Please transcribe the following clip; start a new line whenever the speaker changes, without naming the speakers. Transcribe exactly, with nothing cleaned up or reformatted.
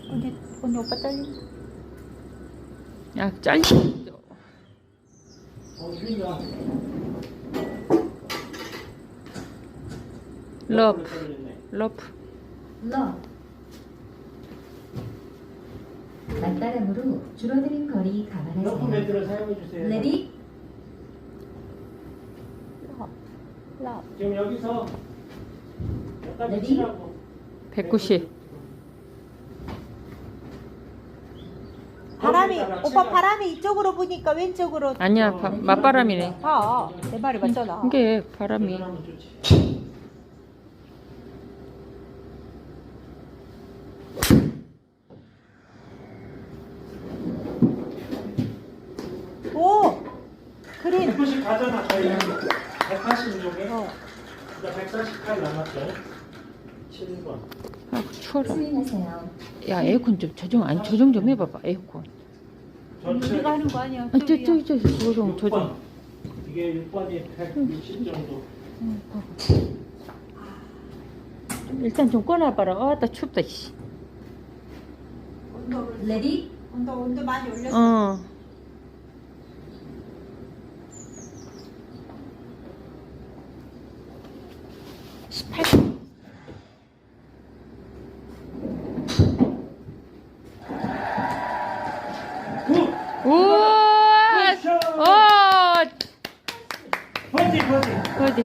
언니, 언니 오빠 잘려.
야, 잘려.
어, 휘가.
러프. 러프.
러 맞바람으로 줄어드는 거리
러프
감안하세요.
밴드를 사용해 주세요.
레디
러, 러.
지금 여기서 여기까지
레디?
치라고.
백구십.
바람이,
거기다가
오빠
치라.
바람이 이쪽으로 부니까 왼쪽으로.
아니야, 바, 맞바람이네.
아, 내 말이 맞잖아.
이게 바람이.
하면 좋지.
오! 그린.
백구십 가잖아, 저희는. 백팔십 쪽에.
어.
그러니까 백사십팔 남았죠. 칠 번.
아, 추워라.
스윙하세요.
야, 에어컨 좀 조정, 아니, 조정 좀 해봐봐, 에어컨.
전체
우리가 하는 거 아니야.
아, 저, 저,
저기야.
저, 저, 조정,
육
조정.
번. 이게 육 번이 백육십 정도.
응, 봐봐. 일단 좀 꺼놔봐라. 아, 나 춥다, 씨.
온도를,
레디
온도, 온도 많이 올렸어.
어.